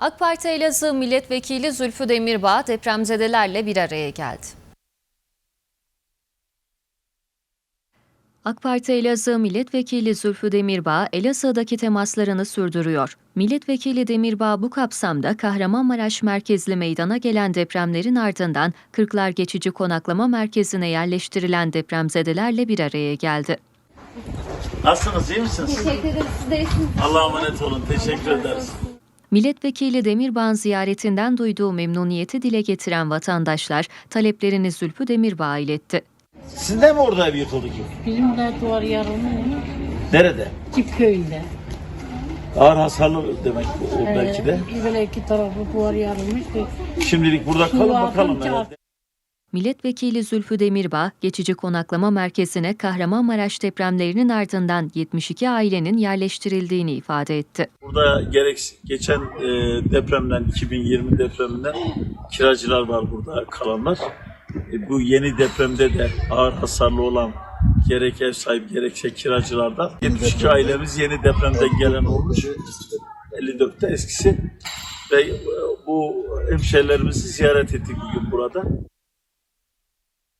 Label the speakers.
Speaker 1: AK Parti Elazığ Milletvekili Zülfü Demirbağ depremzedelerle bir araya geldi. AK Parti Elazığ Milletvekili Zülfü Demirbağ, Elazığ'daki temaslarını sürdürüyor. Milletvekili Demirbağ bu kapsamda Kahramanmaraş merkezli meydana gelen depremlerin ardından Kırklar Geçici Konaklama Merkezi'ne yerleştirilen depremzedelerle bir araya geldi.
Speaker 2: Nasılsınız, iyi misiniz?
Speaker 3: Teşekkür ederim. Siz de iyisiniz.
Speaker 2: Allah'a emanet olun, teşekkür ederiz.
Speaker 1: Milletvekili Demirbağ'ın ziyaretinden duyduğu memnuniyeti dile getiren vatandaşlar taleplerini Zülfü Demirbağ'a iletti.
Speaker 2: Sizin de mi orada ev yıkıldı ki?
Speaker 4: Bizim de duvar yarılmış.
Speaker 2: Nerede?
Speaker 4: Cip köyünde.
Speaker 2: Ağır hasarlı demek o belki de.
Speaker 4: Böyle iki tarafı duvar yarılmış.
Speaker 2: Şimdilik burada kalın bakalım
Speaker 4: atınca-
Speaker 2: herhalde.
Speaker 1: Milletvekili Zülfü Demirbağ, geçici konaklama merkezine Kahramanmaraş depremlerinin ardından 72 ailenin yerleştirildiğini ifade etti.
Speaker 2: Burada gerek geçen depremden, 2020 depreminden kiracılar var burada kalanlar. Bu yeni depremde de ağır hasarlı olan gerek ev sahibi gerekse kiracılardan 72 ailemiz yeni depremden gelen olmuş. 54'te eskisi ve bu hemşehrilerimizi ziyaret ettik bugün burada.